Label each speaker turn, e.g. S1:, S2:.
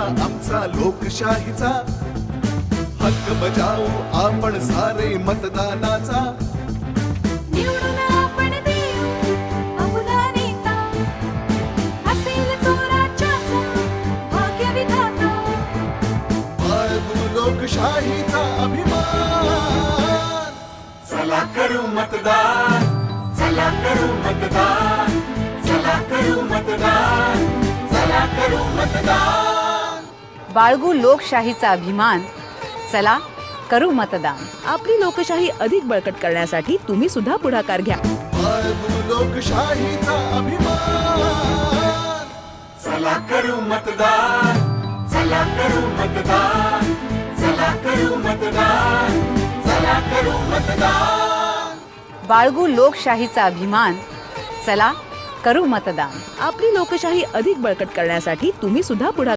S1: आमचा लोकशाहीचा हक्क बजावू आपण सारे मतदानाचा.
S2: निवडून आपण देऊ आपला नेता, असेल चोराच्याचा भाग्यविधाता.
S1: बाळगू लोकशाहीचा अभिमान, चला करू मतदान, चला करू मतदान, चला करू मतदान, चला करू मतदान.
S3: बाळगू लोकशाहीचा अभिमान, चला करू मतदान.
S4: आपली लोकशाही अधिक बळकट करण्यासाठी तुम्ही सुद्धा पुढाकार घ्या.
S1: बाळगू लोकशाहीचा अभिमान, चला करू मतदान, चला करू मतदान, चला करू मतदान, चला करू मतदान.
S3: बाळगू लोकशाहीचा अभिमान, चला करू मतदान.
S4: आपली लोकशाही अधिक बळकट करण्यासाठी तुम्ही सुद्धा पुढाकार